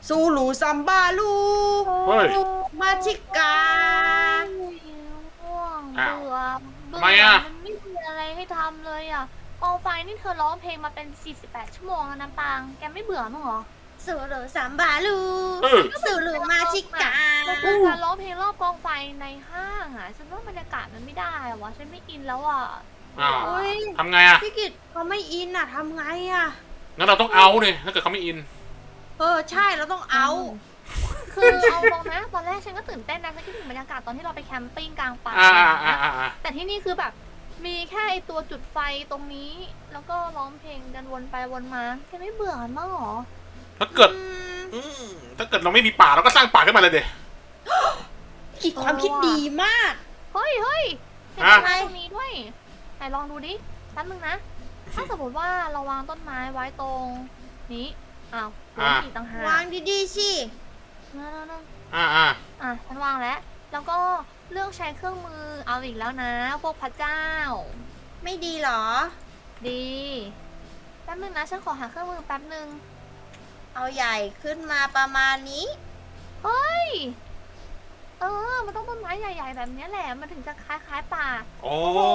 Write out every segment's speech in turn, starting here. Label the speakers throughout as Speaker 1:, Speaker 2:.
Speaker 1: ซูลูซัมบาลู
Speaker 2: เฮ้ย
Speaker 1: มาชิกา
Speaker 3: ง่วง
Speaker 2: อ้าว
Speaker 3: เบื่อ
Speaker 2: ทำไมอะ
Speaker 3: มันไม่มีอะไรให้ทำเลยอ่ะกองไฟนี่เธอร้องเพลงมาเป็น48 ชั่วโมงแล้วนะปางแกไม่เบื่อมั้งเหรอ
Speaker 1: ซูลูซัมบาลู
Speaker 2: เออ
Speaker 1: ซูลูมาชิกา
Speaker 3: แล้วคือการร้องเพลงรอบกองไฟในห้างอ่ะฉันว่าบรรยากาศมันไม่ได้อะวะฉันไม่อินแล้วอ่ะ
Speaker 2: อ้าว
Speaker 1: โอ้ย
Speaker 2: ทำไงอ่ะ
Speaker 1: พี่กิตเขาไม่อินอ่ะทำไงอ่ะ
Speaker 2: งั้นเราต้องเอาเนี่ยถ้าเกิดเขาไม่อิน
Speaker 1: ใช่เราต้องเอา
Speaker 3: คือเอาตรงนะตอนแรกฉันก็ตื่นเต้นนะฉันคิดถึงบรรยากาศตอนที่เราไปแคมปิ้งกลางป่า
Speaker 2: อ่า
Speaker 3: อะไรอย่าง
Speaker 2: อ่า
Speaker 3: เงี้ย
Speaker 2: อ่า
Speaker 3: แต่ที่นี่คือแบบ มีแค่ไอตัวจุดไฟตรงนี้ แล้วก็ร้องเพลงกันวนไปวนมาแกไม่เบื่อมั้งเหรอ
Speaker 2: ถ้าเกิดถ้าเกิดเราไม่มีป่าเราก็สร้างป่าขึ้นมาเลยเด็
Speaker 1: คิดความคิดดีมาก
Speaker 3: เฮ้ยเห็น
Speaker 2: ฮะ
Speaker 3: ต้นไม้ตรงนี้ด้วยไหนลองดูดิแป๊บนึงนะ ถ้าสมมติว่าเราวางต้นไม้ไว้ตรงนี้อ้าวล้มอีกต่างหาก
Speaker 1: วางดีๆสิ
Speaker 3: นั่น
Speaker 2: อ่า
Speaker 3: ฉันวางแล้ว แล้วก็เลือกใช้เครื่องมือเอาอีกแล้วนะ พวกพระเจ้า
Speaker 1: ไม่ดีเหรอ
Speaker 3: ดี แป๊บนึงนะ ฉันขอหาเครื่องมือแป๊บนึง
Speaker 1: เอาใหญ่ขึ้นมาประมาณนี้
Speaker 3: เฮ้ย มันต้องต้นไม้ใหญ่ๆแบบนี้แหละ มันถึงจะคล้ายๆป่า
Speaker 2: โอ้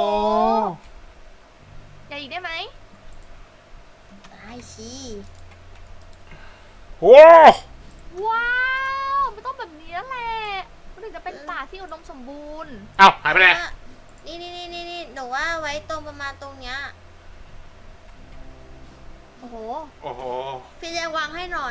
Speaker 3: ใหญ่อีกได้ไหม
Speaker 1: ได้สิ
Speaker 2: โห
Speaker 3: ว้าว มันต้องแบบนี้แหละ มันถึงจะเป็นป่าที่อุดมสมบูรณ์
Speaker 2: เอ้าหายไปไหน
Speaker 1: นี่หนูว่าไว้ตรงประมาณตรงเนี้ย
Speaker 3: โอ้โห
Speaker 2: โอ้โห
Speaker 1: พี่แจงวางให้หน่อย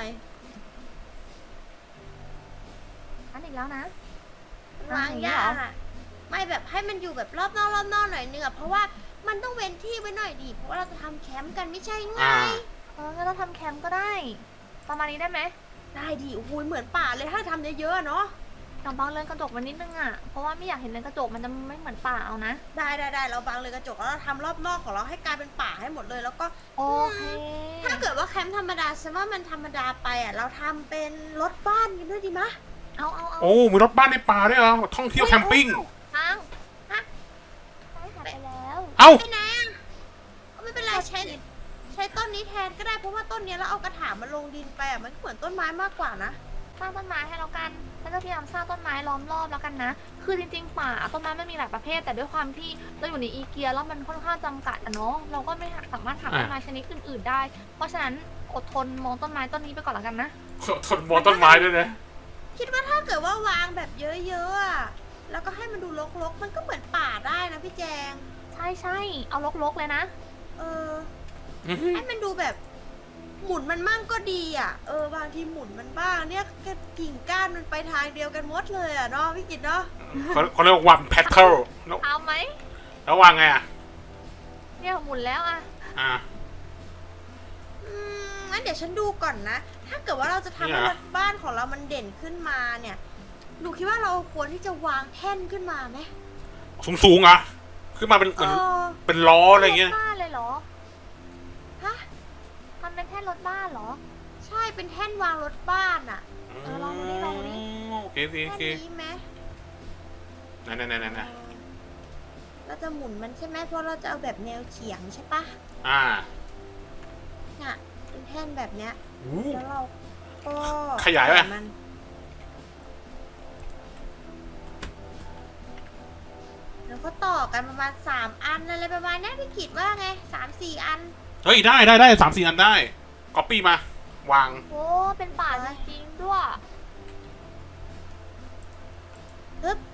Speaker 3: อันอีกแล้วนะ
Speaker 1: วางยากอะไม่แบบให้มันอยู่แบบรอบนอกหน่อยนึงอะเพราะว่ามันต้องเว้นที่ไว้หน่อยดิเพราะว่าเราจะทำแคมป์กันไม่ใช่ไง
Speaker 2: อ่า
Speaker 3: งั้นเราทำแคมป์ก็ได้ ประมาณนี้ได้ไหม
Speaker 1: ได้ดิโอ้โหเหมือนป่าเลยถ้าทำเยอะๆอะเนาะ
Speaker 3: ลองบังเรือนกระจกมันนิดนึงอ่ะ เพราะว่าไม่อยากเห็นเรือนกระจกมันจะไม่เหมือนป่าเอานะ
Speaker 1: ได้เราบังเลยกระจกแล้วเราทำรอบนอกของเราให้กลายเป็นป่าให้หมดเลยแล้วก็
Speaker 3: โอเค
Speaker 1: ถ้าเกิดว่าแคมป์ธรรมดาฉันว่ามันธรรมดาไปอะเราทำเป็นรถบ้านกันด้วยดีมะ
Speaker 3: เอา
Speaker 2: โอ้มีรถบ้านในป่าด้วยเหรอท่องเที่ยวแคมปิ้ง
Speaker 3: ทางฮะใช้หายไปแล้ว
Speaker 2: เอ้า
Speaker 1: ไปไหนอะไม่เป็นไรใช้ต้นนี้แทนก็ได้เพราะว่าต้นเนี้ยเราเอากระถางมาลงดินไปอะมันก็เหมือนต้นไม้มากกว่านะ
Speaker 3: สร้างต้นไม้ให้แล้วกันฉันจะพยายามสร้างต้นไม้ล้อมรอบแล้วกันนะ คือจริงๆป่าต้นไม้มันมีหลายประเภท แต่ด้วยความที่เราอยู่ในอีเกียแล้วมันค่อนข้างจำกัดอะเนาะ เราก็ไม่สามารถหาต้นไม้ชนิดอื่นๆได้ เพราะฉะนั้นอดทนมองต้นไม้ต้นนี้ไปก่อนแล้วกันนะ
Speaker 2: ทนมองต้นไม้ด้วยนะ
Speaker 1: คิดว่าถ้าเกิดว่าวางแบบเยอะๆอะแล้วก็ให้มันดูรกๆมันก็เหมือนป่าได้นะพี่แจง
Speaker 3: ใช่เอารกๆเลยนะ
Speaker 1: เออ ให้มันดูแบบหมุนมันมั่งก็ดีอ่ะ บางทีหมุนมันบ้างเนี่ยกิ่งก้านมันไปทางเดียวกันหมดเลยอ่ะเนาะพี่กิตเนาะ
Speaker 2: เขาเรียกว่าวันแพทเทิล
Speaker 3: เอาไหม
Speaker 2: แล้ววางไงอ่ะ
Speaker 3: เนี่ยหมุนแล้วอะ
Speaker 2: อ่า
Speaker 1: งั้นเดี๋ยวฉันดูก่อนนะ ถ้าเกิดว่าเราจะทำให้
Speaker 2: เนี่ย
Speaker 1: รถบ้านของเรามันเด่นขึ้นมาเนี่ยหนูคิดว่าเราควรที่จะวางแท่นขึ้นมาไหม
Speaker 2: สูงๆอ่ะขึ้นมาเป็นเหมือนเป็นล้ออะไรเงี้ย
Speaker 3: รถบ้านเลยเหรอ
Speaker 1: ฮะ
Speaker 3: ทำเป็นแท่นรถบ้านเหรอ
Speaker 1: ใช่เป็นแท่นวางรถบ้านอ่ะ
Speaker 3: ลองดูดิลองดูดิ
Speaker 2: โอเคโอเคโอ
Speaker 1: แท่
Speaker 2: เคน
Speaker 1: นี้ไหม
Speaker 2: ไหน
Speaker 1: เราจะหมุนมันใช่ไหมเพราะเราจะเอาแบบแนวเฉียงใช่ปะ
Speaker 2: อ่า
Speaker 1: น่ะเป็นแท่นแบบเนี้ย
Speaker 2: อู้
Speaker 1: แล้วเราก็
Speaker 2: ขยายไหม
Speaker 1: มันแล้วก็ต่อกันประมาณ3 อันอะไรประมาณเนี้ยพี่กิตว่าไง3-4 อัน
Speaker 2: เฮ้ยได้3-4 อันได้ก๊อปปี้มาวาง
Speaker 3: โอ้เป็นป่าจริงๆด้วย
Speaker 1: ปึ๊บ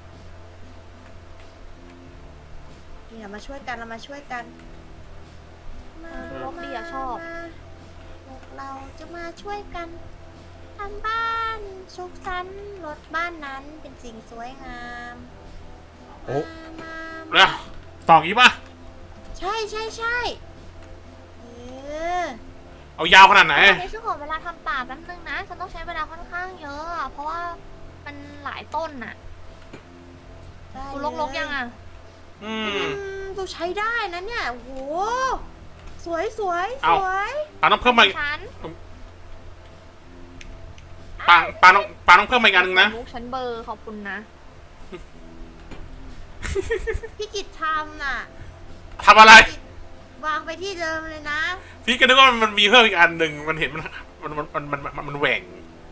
Speaker 1: นี่เรามาช่วยกันเรามาช่วยกันมา
Speaker 3: ลบดีอะชอบ
Speaker 1: มาพวกเราจะมาช่วยกันทำบ้านสุขสันต์รถบ้านนั้นเป็นสิ่งสวยงาม
Speaker 2: โอ้
Speaker 1: มา
Speaker 2: แล้วต่ออย่างงี้ป่ะ
Speaker 1: ใช่เออ
Speaker 2: เอายาวขนาดไหน
Speaker 3: ในช่วงของเวลาทำป่าแป๊บนึงนะ ฉันต้องใช้เวลาค่อนข้างเยอะอะเพราะว่ามันหลายต้นน่ะ
Speaker 1: ได้
Speaker 3: ดูรกๆยังอ่ะ
Speaker 2: อืม
Speaker 1: ดูใช้ได้นะเนี่ยโอ้โหสวยสวย
Speaker 2: เอา
Speaker 1: สวย
Speaker 2: ปาต้องเพิ่มมา
Speaker 3: ฉัน
Speaker 2: ปาต้องเพิ่มมาอีกอันนึงนะ
Speaker 3: ลูกฉันเบอร์ขอบคุณนะ
Speaker 1: พี่กิจทำน่ะ
Speaker 2: ทำอะไร
Speaker 1: วางไปที่เดิมเลยนะ
Speaker 2: พี่ก็นึกว่ามันมีเพิ่มอีกอันหนึ่งมันเห็นมันแหว่ง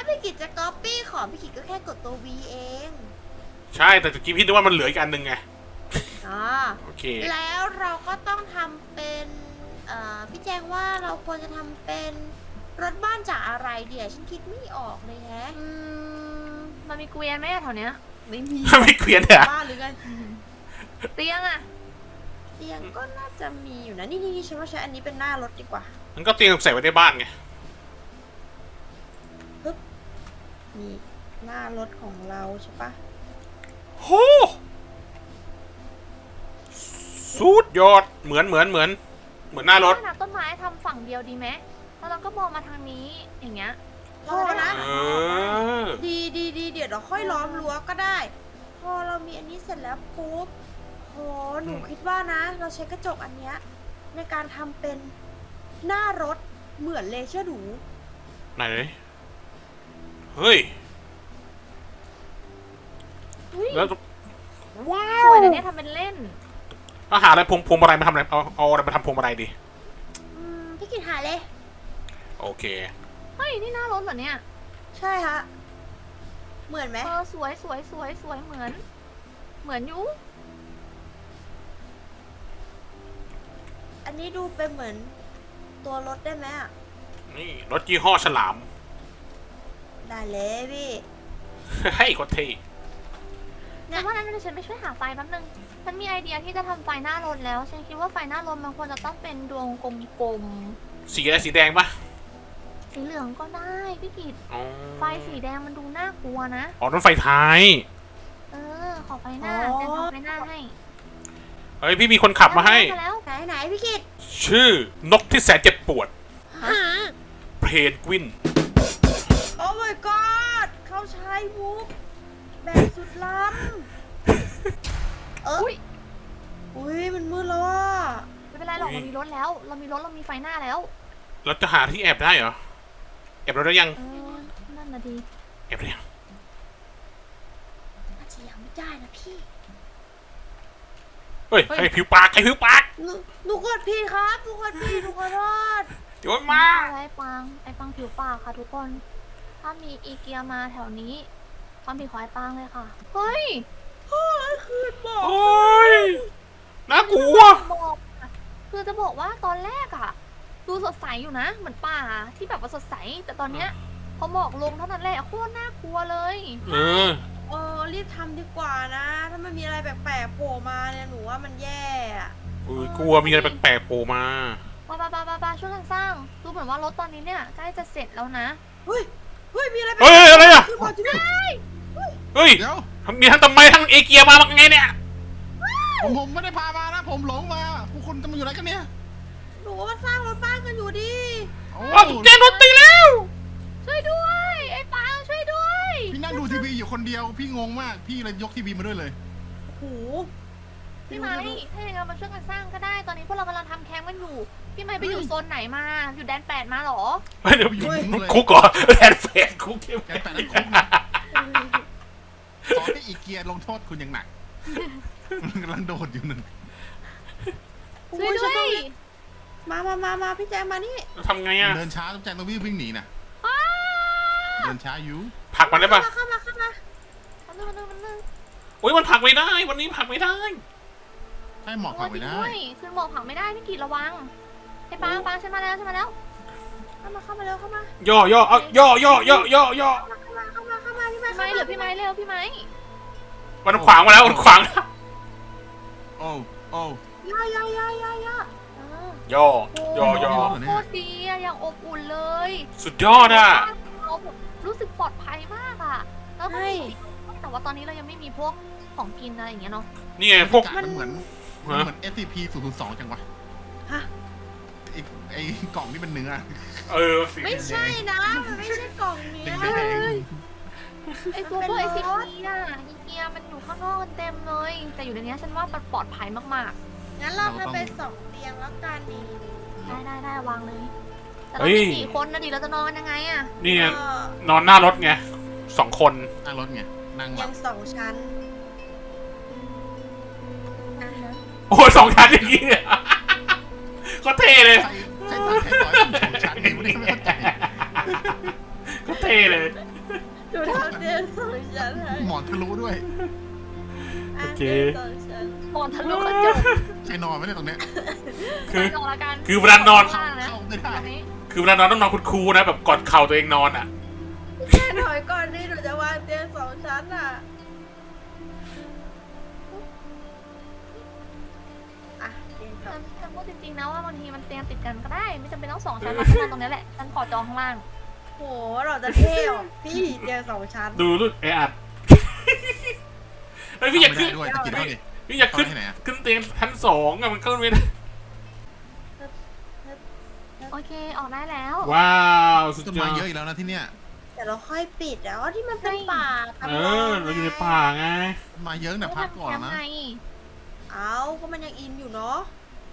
Speaker 1: พี่กิจจะก๊อปปี้ของพี่กิจก็แค่กดตัว V เอง
Speaker 2: ใช่แต่ตะกี้พี่นึกว่ามันเหลืออีกอันหนึ่งไง
Speaker 1: อ๋อ
Speaker 2: โอเค
Speaker 1: แล้วเราก็ต้องทำเป็นพี่แจงว่าเราควรจะทำเป็นรถบ้านจากอะไรเดี๋ยวฉันคิดไม่ออกเลยแฮะ
Speaker 3: มันมีเกวียนไหมอะแถวเนี้ย
Speaker 1: ไม่มี
Speaker 2: ไม่เกวียนเหรอ
Speaker 1: บ้านหรือไง
Speaker 3: เตียงอะ
Speaker 1: เตียงก็น่าจะมีอยู่นะนี่ฉันว่าใช้อันนี้เป็นหน้ารถดีกว่า
Speaker 2: มันก็เตียงใส่ไว้ในบ้านไง
Speaker 1: นี่หน้ารถของเราใช่ปะ
Speaker 2: โหสุดยอดเหมือนหน้ารถ
Speaker 3: ถ้าต้นไม้ทำฝั่งเดียวดีไหมแล้วเราก็มองมาทางนี้อย่างเงี้ย
Speaker 1: พอนะ
Speaker 2: เออ
Speaker 1: ดีเดี๋ยวเราค่อยล้อมรั้วก็ได้ พอเรามีอันนี้เสร็จแล้วปุ๊บโหหนูคิดว่านะ เราใช้กระจกอันเนี้ยในการทำเป็นหน้ารถเหมือนเลยเชื่อหนู
Speaker 2: ไหนเฮ้ย
Speaker 3: อุ๊ย
Speaker 2: แล้วว้า
Speaker 3: ส
Speaker 2: ว
Speaker 3: วยนะเนี่ยทำเป็นเล่น
Speaker 2: แล้วหาอะไรพวงมาลัยมาทำอะไรเอาอะไรมาทำพวงมาลัยดี
Speaker 1: พี่กินหาเลย
Speaker 2: โอเค
Speaker 3: เฮ้ยนี่หน้ารถเหรอเนี่ย
Speaker 1: ใช่ฮะเหมือนไหม
Speaker 3: สวยเหมือนอยู่
Speaker 1: อันนี้ดูเป็นเหมือนตัวรถได้ไหมอะ
Speaker 2: นี่รถยี่ห้อฉลาม
Speaker 1: ได้เลยพี่
Speaker 2: เฮ้ยโคตรเท่
Speaker 3: แต่ว่านั้นฉันไปช่วยหาไฟแป๊บนึงฉันมีไอเดียที่จะทำไฟหน้ารถแล้วฉันคิดว่าไฟหน้ารถมันควรจะต้องเป็นดวงกลม
Speaker 2: สีอะไรสีแดงปะ
Speaker 3: ๆสีเหลืองก็ได้พี่กิต
Speaker 2: อ๋อ
Speaker 3: ไฟสีแดงมันดูน่ากลัวนะ
Speaker 2: อ๋อนั่นไฟท้าย
Speaker 3: ขอไฟหน้าแจงขอไฟหน้าให้
Speaker 2: เฮ้ยพี่มีคนขับมาให้
Speaker 3: แล้ว
Speaker 1: ไหนพี่กิต
Speaker 2: ชื่อนกที่แสนเจ็บปวด เพนกวิน
Speaker 1: โอ้ my god เขาใช้มุกแบบสุดล้ำ
Speaker 3: อุ้ย
Speaker 1: อุ้ยมันมืดแล้วอ่ะ
Speaker 3: ไม่เป็นไรหรอก
Speaker 2: อุ๊
Speaker 3: เรา
Speaker 2: ย
Speaker 3: มีรถแล้วเรามีไฟหน้าแล้ว
Speaker 2: เราจะหาที่แอบได้เหรอ แอบเราได้ยัง
Speaker 3: นั่นนะดี
Speaker 2: แอบได้ยัง
Speaker 1: น่าจะยังไม่ได้นะพี่
Speaker 2: เฮ้ยใครผิวปาก
Speaker 1: หนูกดผิดครับหนูกดผิดหนูขอโทษ
Speaker 2: เดี๋ยวมา
Speaker 3: ไอ้ปังผิวปากค่ะทุกคน ถ้ามีอีเกียมาแถวนี้ความผิดของไอ้ปังเลยค่ะ เฮ้ย
Speaker 1: คืนบอก
Speaker 2: โอ้ยน่ากลัว
Speaker 3: บอกอะคือจะบอกว่าตอนแรกอะดูสดใสอยู่นะ เหมือนป่าที่แบบว่าสดใส แต่ตอนเนี้ยพอหมอกลงเท่านั้นแหละโคตรน่ากลัวเลย
Speaker 2: เออ
Speaker 1: รีบทำดีกว่านะ ถ้ามันมีอะไรแปลกๆโผล่มาเนี่ยหนูว่ามันแย่อะ
Speaker 2: อุ้ยกลัวมีอะไรแปลกๆโผล่มา
Speaker 3: ปาช่วยกันสร้าง ดูเหมือนว่ารถตอนนี้เนี่ยใกล้จะเสร็จแล้วนะ
Speaker 1: เฮ้ยมีอะไรแปล
Speaker 2: เฮ้ยอะไรอะ
Speaker 1: ๆก่อนจะได้
Speaker 2: เฮ้ย
Speaker 4: เดี๋ยว
Speaker 2: มีทั้งทำไมทั้งเอเกียมาไงเนี่ย
Speaker 4: ผมไม่ได้พามานะ ผมหลงมาพวกคุณจะมาอยู่ไหนกันเนี่ย
Speaker 1: หนูว่ามันสร้างรถบ้านกันอยู่ดิ
Speaker 4: โอ้
Speaker 2: ว้าวถูกแจ้งรถตีแล้ว
Speaker 3: ช่วยด้วย ไอ้ปังช่วยด้วย
Speaker 4: พี่นั่งดูทีวีอยู่คนเดียว พี่งงมาก พี่เลยยกทีวีมาด้วยเลย
Speaker 1: โอ้โห
Speaker 3: พี่ไม้ถ้าอย่างนั้นมาช่วยกันสร้างก็ได้ ตอนนี้พวกเรากำลังทำแคมป์กันอยู่ พี่ไม้ไปอยู่โซนไหนมา อยู่แดน8มาเหรอ
Speaker 2: เดี๋ยวอยู่คุกก่อนแทนเฟนคุกเข้ม
Speaker 4: แกแต่นั้นคุกนะขอให้อีเกียลงโทษคุณอย่างหนัก มันกำลังโดดอยู่นั่น
Speaker 3: ช่วยด้วย
Speaker 1: มาพี่แจงมานี่
Speaker 2: ทำไงอะ
Speaker 4: เดินช้าต้องแจงต้องวิ่งหนีนะเดินช้าอยู่
Speaker 2: ผลักมันได้ปะ
Speaker 1: เข้ามา
Speaker 3: มันนึง
Speaker 2: โอ้ยมันผลักไม่ได้ วันนี้ผลักไม่ได้
Speaker 4: ให้หมอกขับไปได้
Speaker 3: ขึ้นหมอกผังไม่ได้พี่กีดระวัง ไอ้ปังฉันมาแล้ว
Speaker 1: เข้ามาเร็วเข้ามา
Speaker 2: ย่เอาย่อ
Speaker 1: เข้ามาพี่
Speaker 3: พี่ไม้เหลือพี่ไม้เร็วพี่ไม้
Speaker 2: มันขวางมาแล้วมันขวางแล้ว
Speaker 4: โอ้โอ้
Speaker 1: ย่า
Speaker 2: ย่อ
Speaker 3: โคตรดีอะอย่างอบอุ่นเลย
Speaker 2: สุดยอดอ่ะ
Speaker 3: เรารู้สึกปลอดภัยมากอะแล้วก็แต่ว่าตอนนี้เรายังไม่มีพวกของกินอะไรอย่างเงี้ยเนาะ
Speaker 2: นี่ไงพวก
Speaker 4: มันเหมือน SCP 002จังวะ
Speaker 1: ฮะ
Speaker 4: ไอ้กล่องนี่เป็นเนื้อ
Speaker 2: สิ
Speaker 1: ไม่ใช่นะมันไม่ใช่กล่องเนี้ย
Speaker 4: แดง
Speaker 3: ไอตัวพวกไอซีพีอะอีเกียมันอยู่ข้างนอกกันเต็มเลย แต่อยู่ในนี้ฉันว่ามันปลอดภัยมาก
Speaker 1: งั้นเราทำเป็น2 เตียงแล้วกันนี่
Speaker 3: ๆ ได้วางเลย แต่เรามี4 คนนะดิเราจะนอนกันยังไงอะ
Speaker 2: นี่ไงนอนหน้ารถไง2 คน
Speaker 4: นั่งรถไงนั่งแบ
Speaker 1: ยั
Speaker 4: บ
Speaker 1: ง2 ชั้น
Speaker 2: โอ้ย2 ชั้นอย่างนี้เนี่ยก็เท่เลย
Speaker 4: ใช้ร้อยเป็น2 ชั้นนี่ไม่เข้าใจ
Speaker 2: ก็เท่เลย
Speaker 1: สองชั้น
Speaker 3: มองทะลุกระจก
Speaker 4: ใครนอนไม่ได้ตรงเนี้ย
Speaker 2: คือ
Speaker 3: ไปก่อนละกัน
Speaker 2: คือเวลานอน
Speaker 3: ข้างล่างนะ
Speaker 4: เข้าไม่ได้
Speaker 3: ตรงนี้
Speaker 2: คือเวลานอนต้องนอนคูลๆนะแบบกอดเข่าตัวเองนอนอ่ะ
Speaker 1: แค่ถอยก่อนดิหนูจะวางเตียงสองชั้นอ่ะอ่ะเตียงสอง
Speaker 3: ฉันพูดจริงๆนะว่าบางทีมันเตียงติดกันก็ได้ ไม่จำเป็นต้อง2 ชั้นเราฉันนอนตรงนี้แหละฉันขอจองข้างล่าง
Speaker 1: โหเราจะเท่หรอพี่เตียงสองชั้น
Speaker 2: ดูลูกไออัดไอยพี่อยาก
Speaker 4: ไม่
Speaker 2: ขึ้น
Speaker 4: ได้ด้วยจะกินเท่าดิ
Speaker 2: พี่อยากขึ้น
Speaker 4: เข้าไปที่ไหนอะ
Speaker 2: ขึ้นเตียงชั้น2อะมันขึ้นไม่ได้
Speaker 3: โอเคออกได้แล้ว
Speaker 2: ว้าวสุด
Speaker 4: ต้น
Speaker 2: ยอ
Speaker 4: ไม้
Speaker 2: ด
Speaker 4: เยอะอีกแล้วนะที่เนี้ย
Speaker 1: แต่เราค่อยปิดแล้วที่มันเป็นป่า
Speaker 2: เออเราอยู่ในป่าไง
Speaker 4: ต้นไม้เยอะเนี่ยพักก่อน
Speaker 3: ทำ
Speaker 4: นะ
Speaker 3: ไง
Speaker 1: เอาก็มันยังอินอยู่เนาะ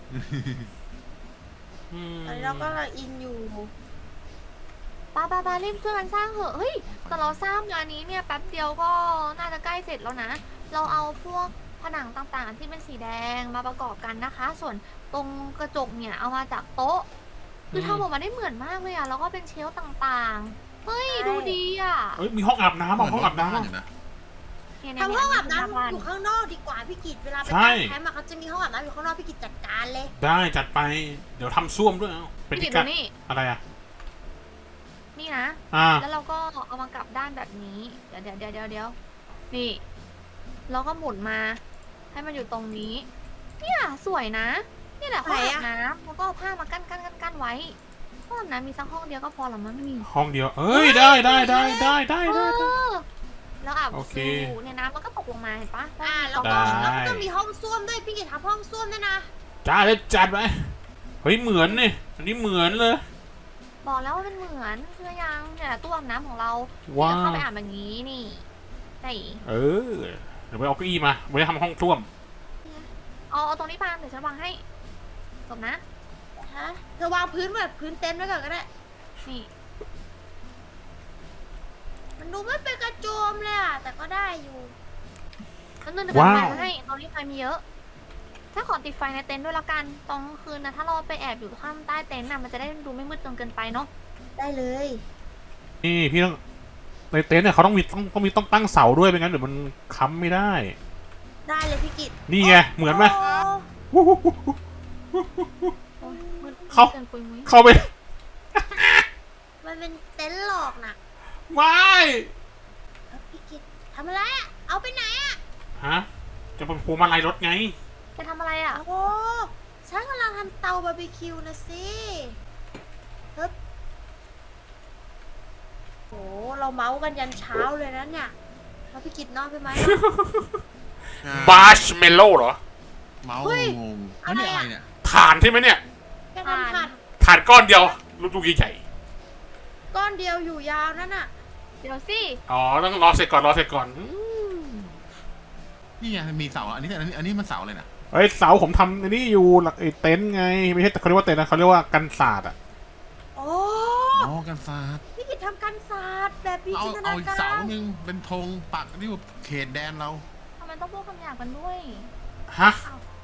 Speaker 2: อืม
Speaker 1: ตอนนี้เราก็กำลังอินอยู่
Speaker 3: ปารีบช่วยกันสร้างเถอะเฮ้ยแต่เราสร้างงานนี้เนี่ยแป๊บเดียวก็น่าจะใกล้เสร็จแล้วนะ เราเอาพวกผนังต่างๆ ที่เป็นสีแดงมาประกอบกันนะคะ ส่วนตรงกระจกเนี่ยเอามาจากโต๊ะ คือทำออกมาได้เหมือนมากเลยอะแล้วก็เป็นเชลฟ์ต่างๆ เฮ้ย
Speaker 1: ใช่
Speaker 3: ดูดีอะ
Speaker 2: เอ้ยมีห้องอาบน้ำอ่ะห้องอาบน้ำ
Speaker 4: เหมื
Speaker 2: อ่ะ
Speaker 4: นรถบ้อยู่นะ
Speaker 3: เนี่ย
Speaker 1: ทำห้องอาบน้ำ
Speaker 3: บ้
Speaker 1: อยู่ข้างนอกดีกว่าพี่กิจเวลาไป
Speaker 2: ใช่
Speaker 1: ตั้งแคมป์อะเขาจะมีห้องอาบน้ำอยู่ข้างนอกพี่กิจจัดการเลย ได้
Speaker 2: ได้จัดไป เดี๋ยวทำส้วมด้วยเอาเป็น
Speaker 3: พี่
Speaker 2: ที่
Speaker 3: ดู
Speaker 2: กัด
Speaker 3: นี่
Speaker 2: อะไรอ่ะ
Speaker 3: นี่นะ
Speaker 2: อ่า
Speaker 3: แล้วเราก็เอามากลับด้านแบบนี้ เดี๋ยวนี่ เราก็หมุนมา ให้มันอยู่ตรงนี้ เนี่ยสวยนะ นี่แหละห้องอาบน้ำแล้วก็เอาผ้ามากั้นไว้ห้องอาบน้ำมีสักห้องเดียวก็พอละมั้งนี่
Speaker 2: ห้องเดียว เอ้ยได้ได้ได้ได้ได้
Speaker 3: เอ
Speaker 2: ได้
Speaker 3: อแล้วอาบ
Speaker 2: โอเค
Speaker 3: สูเนี่ยน้ำมันก็ตกลงมาเห็นปะ
Speaker 1: แล้ว
Speaker 2: ได้
Speaker 1: ก็ต้องมีห้องส้วมด้วยพี่กิจทำห้องส้วมด้วยนะ
Speaker 2: จ้าเลยจัดไปเฮ้ยเหมือนนี่อันนี้เหมือนเลย
Speaker 3: บอกแล้วว่ามันเหมือนเชื่อยังเนี่ยตู้อาบน้ำของเรา
Speaker 2: ว้า
Speaker 3: เราเข้าว ไปอาบแบบนี้นี่ใช่
Speaker 2: เออเดี๋ยวไปเอาเก้าอี้มาไว้ทำห้องส้วม
Speaker 3: เอาตรงนี้ปางเดี๋ยวฉันวางให้จบนะ
Speaker 1: ฮะเธอวางพื้นแบบพื้นเต็นท์ไว้ก่อนก็ได้
Speaker 3: นี่
Speaker 1: มันดูไม่เป็นกระโจมเลยอะแต่ก็ได้อยู่
Speaker 3: แล้วนึงเดี๋ยวฉันวางให้ตรงนี้ไฟมีเยอะ ถ้าขอติดไฟในเต็นท์ด้วยละกันตอนกลางคืนนะถ้าเราไปแอบอยู่ข้างใต้เต็นท์น่ะมันจะได้ดูไม่มืดจนเกินไปเนาะ
Speaker 1: ได้เลย
Speaker 2: นี่พี่ต้องในเต็นท์เนี่ยเขาต้องตั้งเสาด้วยไม่งั้นเดี๋ยวมันค้ำไม่ได้
Speaker 1: ได้เลยพี่กิจ
Speaker 2: นี่ไงเหมือนไหม
Speaker 1: โอ้
Speaker 3: โอ๊ยมืด
Speaker 2: เข้า
Speaker 3: เกินปุยมุ้ย
Speaker 2: เข้าไป
Speaker 1: มันเป็นเต็นท์หลอกน่ะ
Speaker 2: ไม่
Speaker 1: พี่กิจทำอะไรอะเอาไปไหนอะ
Speaker 2: ฮะจะเป็นพวงมาลัยรถไง
Speaker 3: จะทำอะไรอ่ะ
Speaker 1: โอ้ฉันกำลังทำเตาบาร์บีคิวนะสิฮึบโอ้เราเมาส์กันยันเช้าเลยนะเนี่ยแล้วพี่กิจนอนไปไหม
Speaker 2: บาร์ชเมลโล่เหรอ
Speaker 4: เมาส์
Speaker 1: เฮ้ย
Speaker 4: งงแล้วนี่
Speaker 1: อะไร
Speaker 4: อะไร
Speaker 1: อะ
Speaker 4: เนี่ย
Speaker 2: ถ่านใช่ไหมเนี่ย
Speaker 1: แกทำผัด
Speaker 2: ถ่านก้อนเดียวลูกๆใหญ่
Speaker 1: ก้อนเดียวอยู่ยาวนั่นน่ะ
Speaker 3: เดี๋ยวสิ
Speaker 2: ๆอ๋อต้องรอเสร็จก่อน
Speaker 4: นี่ไงมีเสาอันนี้มันเสาเลยนะ
Speaker 2: เฮ้ยเสาผมทำอันนี้อยู่ไอ้เต็นท์ไงไม่ใช่เขาเรียกว่าเต็นท์นะเขาเรียกว่ากันศาสตร์อ่ะ
Speaker 1: โอ้
Speaker 4: อ๋อกันศาสตร์
Speaker 1: พี่กิจทำกันศาสตร์แบบมี
Speaker 4: เอา
Speaker 1: จินต
Speaker 4: เอา
Speaker 1: นา
Speaker 4: อีก
Speaker 1: การ
Speaker 4: เสาหนึ่งเป็นธงปักที่เขตแดนเรา
Speaker 3: ทำไมต้องพูดคำหยาบกันด้วย
Speaker 2: ฮะ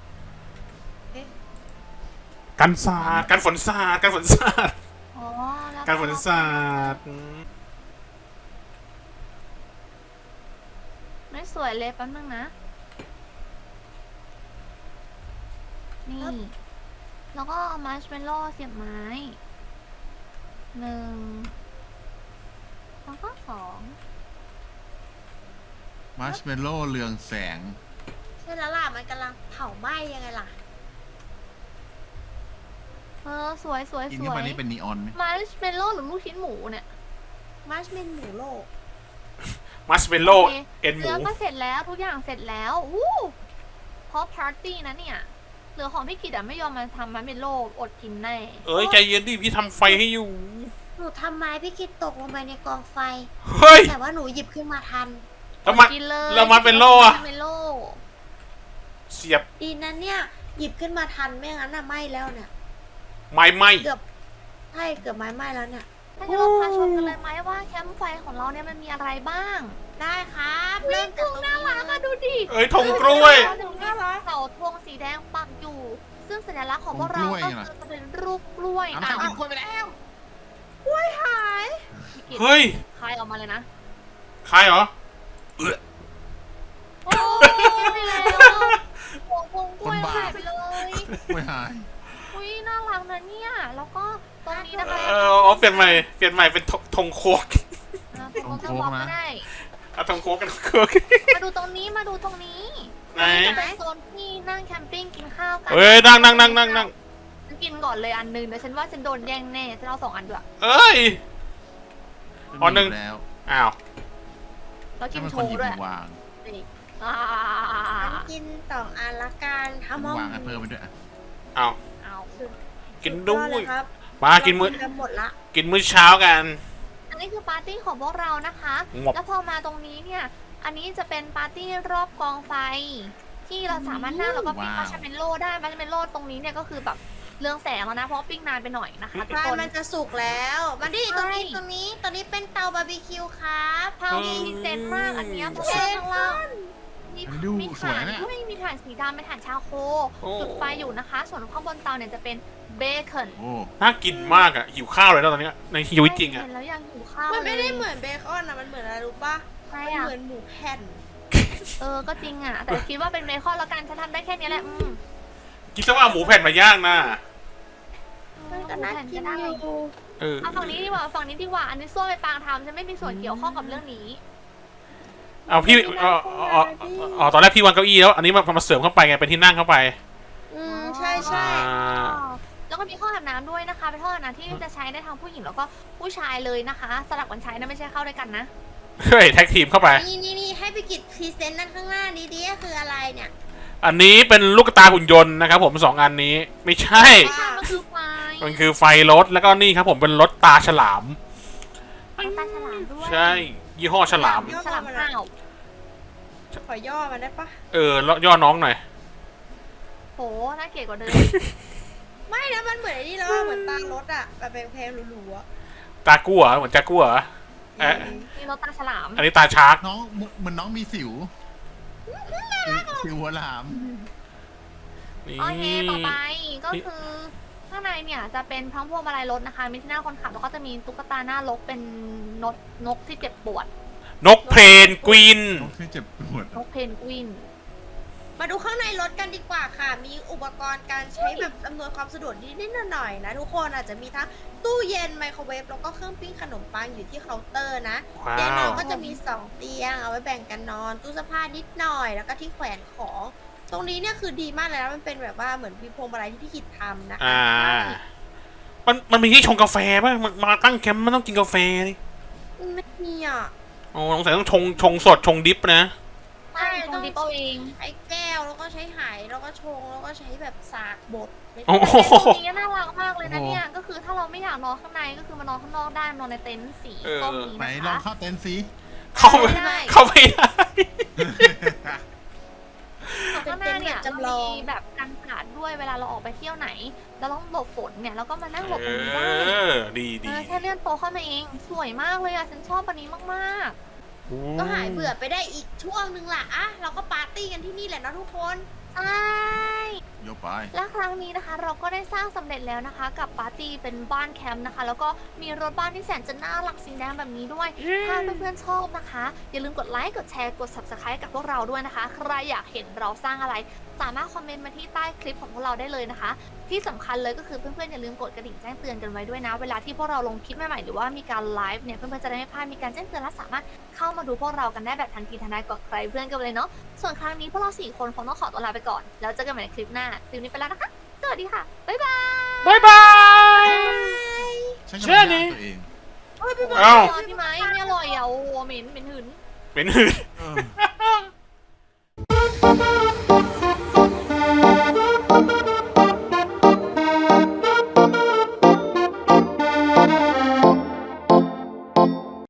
Speaker 2: กันศาสตร์กันฝนศาสตร์กันฝนศาสตร์
Speaker 3: อ๋อแล้ว
Speaker 2: กันฝนศาสตร์
Speaker 3: ไม่สวยเลยแป๊บนึงนะ นี่ แล้วก็เอามาร์ชเมลโล่เสียบไม้ 1 แล้วก็ 2
Speaker 4: มาร์ชเมลโล่เรืองแสง
Speaker 1: ใช่แล้วล่ะมันกำลังเผาไหม้ยังไงล่ะ
Speaker 3: สวยสวย
Speaker 4: กิน
Speaker 3: ส
Speaker 4: เข้า
Speaker 3: วย
Speaker 4: ไปนี่เป็นนีออนไหม
Speaker 3: มาร์ชเมลโล่หรือลูกชิ้นหมูเนี่ย
Speaker 1: มาร์ชเมนหมูโลก
Speaker 2: มัสเมลโล่
Speaker 3: โอเค
Speaker 2: เอ็นหมู
Speaker 3: เนื้อก็เสร็จแล้วทุกอย่างเสร็จแล้วอู้เพราะปาร์ตี้นะเนี่ยเหลือของพี่กิตอะไม่ยอมมาทำมาร์ชเมลโล่อดกินแน่
Speaker 2: เอ้ยใจเย็นดิพี่ทำไฟให้อยู่
Speaker 1: หนูทำไม้พี่กิจตกลงไปในกองไฟ
Speaker 2: เฮ้ย
Speaker 1: แต่ว่าหนูหยิบขึ้นมาทัน
Speaker 2: แล้วมัน
Speaker 3: อดกินเลย
Speaker 2: แล้วมันเป็นโล่อะ
Speaker 3: มาร์ชเมลโล่
Speaker 2: เสียบ
Speaker 1: ดีนั้นเนี่ยหยิบขึ้นมาทันไม่งั้นน่ะไหม้แล้วเนี่ย
Speaker 2: ไม้ไหม
Speaker 1: เกือบใช่เกือบไม้ไหม้แล้วเนี่ย
Speaker 3: ถ้างั้นเราพาชมกันเลยไหมว่าแคมป์ไฟของเราเนี่ยมันมีอะไรบ้าง
Speaker 1: ได้ครับ
Speaker 3: เริ่
Speaker 1: เริ่
Speaker 3: ม
Speaker 1: ม
Speaker 3: ตร
Speaker 1: จาก
Speaker 3: ง
Speaker 1: ตรง
Speaker 3: น่า
Speaker 1: นี้
Speaker 3: รักอะดูดิ
Speaker 2: เอ้ยธงกล้วย
Speaker 3: เสาธงสีแดงปักอยู่ ซึ่งสัญลักษณ์ของพวกเราก็คือจะเป็นรูปกล้วย
Speaker 4: น้ำใครกินกล้วยไปแล้ว
Speaker 1: หาย
Speaker 3: พี่กิต
Speaker 2: เฮ้ย
Speaker 3: คายออกมาเลยนะ
Speaker 2: ใครเหรอ
Speaker 3: โอ้ไปแล้วโอ้โหกล้วยหายไปเลย
Speaker 4: ไม่หาย
Speaker 3: อุ้ยน่ารักนะเนี่ยแล้วก็ตรงนี้นะคะ
Speaker 2: เอาเปลี่ยนใหม่เป็นธงโคก
Speaker 3: เป็นโค้งก็ได้
Speaker 2: เอาธงโคกกันโคก
Speaker 3: มาดูตรงนี้มาดูตรงนี้
Speaker 2: ไหน
Speaker 3: จะเป็นโซนที่นั่งแคมปิ้งกินข้าวกั
Speaker 2: เฮ้ยนั่ง
Speaker 3: ฉันกินก่อนเลยอันหนึงเดี๋ยวฉันว่าฉันโดนแย่งแน่ฉันเอา2 อันด้วย
Speaker 2: เอ้ย อ๋อหนึ่ง
Speaker 4: แล้ว
Speaker 2: อ้าว
Speaker 3: แล้วกิ
Speaker 4: ถ้าน เป็น
Speaker 3: โช
Speaker 4: คนห
Speaker 3: ว์
Speaker 4: ยิบ
Speaker 3: ด้วย
Speaker 4: วาง
Speaker 3: นี่อ่า
Speaker 1: ฉันกิน2 อันละกันทำ
Speaker 4: วางให้เพิ่มไปด้วยอะ
Speaker 2: อ้าว
Speaker 3: เอา
Speaker 2: กินด้ว
Speaker 1: สุ
Speaker 2: ย
Speaker 1: อครับ
Speaker 2: มากินมื้อ
Speaker 1: เรากันหมดละ
Speaker 2: กินมื้อเช้ากัน
Speaker 3: อันนี้คือปาร์ตี้ของพวกเรานะคะ
Speaker 2: งบ
Speaker 3: แล้วพอมาตรงนี้เนี่ย อันนี้จะเป็นปาร์ตี้รอบกองไฟ ที่เราสามารถนั่งแล้วก็ปิ้งมาร์ชเมลโล่ได้มาร์ชเมลโล่ตรงนี้เนี่ยก็คือแบบเรืองแสงแล้วนะเพราะว่าปิ้งนานไปหน่อยนะคะทุก
Speaker 1: ใช่
Speaker 3: คน
Speaker 1: มันจะสุกแล้วมาดิตรงนี้
Speaker 3: ใช่
Speaker 1: ตรงนี้เป็นเตาบาร์บีคิวครับ
Speaker 3: พาวมีเซนมากอันเนี้ยเพราะว่าข้างล่างมี
Speaker 4: มันดู
Speaker 3: มี
Speaker 4: สวย
Speaker 3: ถ่าน
Speaker 4: นะ
Speaker 3: ด้วยมีถ่านสีดำเป็นถ่านชาโค
Speaker 2: โอ้
Speaker 3: จุดไฟอยู่นะคะ ส่วนข้างบนเตาเนี่ยจะเป็นเบคอน
Speaker 4: โอ้
Speaker 2: น่ากินมากอ่ะหิวข้าวเลยนะตอนเนี้ยในชีวิตจริงอ่ะ
Speaker 3: เห็นแล้วยังหิวข้าว
Speaker 1: มันไม่ได้
Speaker 3: ลย
Speaker 1: เหมือนเบคอนนะมันเหมือนอะไรรู้ปะ
Speaker 3: ใช่
Speaker 1: มัน
Speaker 3: อะ
Speaker 1: เหมือนหมูแผ่น
Speaker 3: ก็จริงอ่ะ แต่คิดว่าเป็นเบคอนแล้วกันฉันทำได้แค่นี้แหละอืม
Speaker 2: กินซะว่าหมูแผ่นมาย่างนะ
Speaker 1: มันก็น่ากินอยู่
Speaker 2: เออ
Speaker 3: เอาฝั่งนี้ดีกว่าฝั่งนี้ดีกว่า อันนี้ส้วมไปปางทำฉันไม่มีส่วนเกี่ยวข้องกับเรื่องนี้
Speaker 2: เอาพี่อ๋อตอนแรกพี่วางเก้าอี้แล้วอันนี้มาเสริมเข้าไปไงเป็นที่นั่งเข้าไป
Speaker 1: ใช่ใช่
Speaker 2: อ่า
Speaker 3: แล้วก็มีห้องอาบน้ำด้วยนะคะ เป็นห้องอาบน้ำที่จะใช้ได้ทั้งผู้หญิงแล้วก็ผู้ชายเลยนะคะ สลับกันใช้นะไม่ใช่เข้าด้วยกันนะ
Speaker 2: เฮ้ยแท็กทีมเข้าไป
Speaker 1: นี่ให้ไปกิจพรีเซนต์นั่นข้างหน้านี้ดิคืออะไรเนี่ย
Speaker 2: อันนี้เป็นลูกตาหุ่นยนต์นะครับผม2 อันนี้ไม่ใช่
Speaker 3: ไม่ใช่มันคือไฟ
Speaker 2: มันคือไฟรถแล้วก็นี่ครับผมเป็นรถตาฉลาม
Speaker 3: เป็นตาฉลามด้วย
Speaker 2: ใช่ยี่ห้อฉลาม
Speaker 3: ฉลามข้าว
Speaker 1: ขอย่อมันได้ปะ
Speaker 2: แล้วย่อน้องหน่อย
Speaker 3: โหน่าเกลียดกว่าเดิม
Speaker 1: ไม่นะมันเหมือนไอ้นี่แล้วเหมือนตารถอะแบบแพงๆหรูๆอะ
Speaker 2: ตากู้เหรอเหมือนจากกู้เหรอ เอ๊ะ
Speaker 3: มีรถตาฉลาม
Speaker 2: อันนี้ตาชาร์ก
Speaker 4: น้องเหมือนน้องมีสิวสิวหัวหลาม
Speaker 2: นี่
Speaker 3: โอเคต่อไปก็คือข้างในเนี่ยจะเป็นทั้งพวงมาลัยรถนะคะ มีที่นั่งคนขับแล้วก็จะมีตุ๊กตาหน้ารถเป็นนกที่เจ็บปวด
Speaker 2: นกเพลนกวิน
Speaker 4: น้องที่เจ็บปวด
Speaker 3: นกเพนกวิน
Speaker 1: มาดูข้างในรถกันดีกว่าค่ะ มีอุปกรณ์การใช้แบบอำนวยความสะดวกนิดๆหน่อยๆนะทุกคนอาจจะมีทั้งตู้เย็นไมโครเวฟแล้วก็เครื่องปิ้งขนมปังอยู่ที่เคาน์เตอร์นะ
Speaker 2: ว้า
Speaker 1: เตียงนอน
Speaker 2: ว
Speaker 1: ก็จะมี2เตียงเอาไว้แบ่งกันนอน ตู้เสื้อผ้านิดหน่อย แล้วก็ที่แขวนของ ตรงนี้เนี่ยคือดีมากเลยนะมันเป็นแบบว่าเหมือนมีพวงมาลัยที่พี่คิดทำนะคะ
Speaker 2: มันมีที่ชงกาแฟป่ะมันมาตั้งแคมป์มันต้องกินกาแฟนี่
Speaker 1: ไม่มีอ่ะ
Speaker 2: โอ้สงสัยต้องชงสดชงดิฟนะ
Speaker 3: ใช่ตรงดิปเอาเอง
Speaker 1: ใช้แก้วแล้วก็ใช้ไหแล้วก็ชงแล้วก็ใช้แบบสากบด
Speaker 2: โอ้โห
Speaker 3: ตรงนี้น่ารักมากเลยนะเนี่ย ก็คือถ้าเราไม่อยากนอนข้างในก็คือมานอนข้างนอกได้นอนในเต็นท์สีส้มนี้
Speaker 4: ไหน
Speaker 3: นะ
Speaker 4: ลอง
Speaker 3: คะ
Speaker 4: เข้าเต็นท์สิ
Speaker 2: เข้าไม่ได้
Speaker 3: ข้างหน้าเนี่ยเรามีแบบกันสาดด้วยเวลาเราออกไปเที่ยวไหนเราต้องหลบฝนเนี่ยเราก็มานั่งหลบตรงนี้ได้
Speaker 2: ดีดี
Speaker 3: แค่เลื่อนโต๊ะเข้ามาเอง สวยมากเลยอ่ะ ฉันชอบอันนี้มาก
Speaker 1: ก็หายเบื่อไปได้อีกช่วงนึงล่ะอ่ะเราก็ปาร์ตี้กันที่นี่แหละนะทุกคน
Speaker 3: ๆ ใช่
Speaker 4: โยกไป
Speaker 3: และครั้งนี้นะคะ เราก็ได้สร้างสำเร็จแล้วนะคะ กับปาร์ตี้เป็นบ้านแคมป์นะคะ แล้วก็มีรถบ้านที่แสนจะน่ารักสีแดงแบบนี้ด้วย ถ้าเพื่อนๆชอบนะคะ อย่าลืมกดไลค์ กดแชร์ กด subscribe กับพวกเราด้วยนะคะ ใครอยากเห็นเราสร้างอะไร สามารถคอมเมนต์มาที่ใต้คลิปของพวกเราได้เลยนะคะ ที่สำคัญเลยก็คือเพื่อนๆอย่าลืมกดกระดิ่งแจ้งเตือนกันไว้ด้วยนะ เวลาที่พวกเราลงคลิปใหม่ๆหรือว่ามีการไลฟ์เนี่ยเพื่อนๆจะได้ไม่พลาดมีการแจ้งเตือนและสามารถเข้ามาดูพวกเรากันได้แบบทันทีทันใดกว่าใครเพื่อนกันเลยเนาะ ส่วนครั้งนี้พวกเรา4 คนคงต้องขอตัวลาไปก่อน แล้วเจอกันใหม่ในคลิปหน้า คลิปนี้ไปแล้วนะคะ สวัสดีค่ะ บ๊ายบาย
Speaker 2: บ๊ายบาย
Speaker 4: ฉัน
Speaker 2: เชื่
Speaker 4: กำ
Speaker 2: อ
Speaker 4: ลัง
Speaker 2: นี่
Speaker 4: ย่างตัวเอง
Speaker 1: เอ้ยพี่บอล
Speaker 2: เอ้า
Speaker 3: พี่ไม้ไม่อร่อยอ่ะโอ้โหเหม็นหืน
Speaker 2: เป็นหืน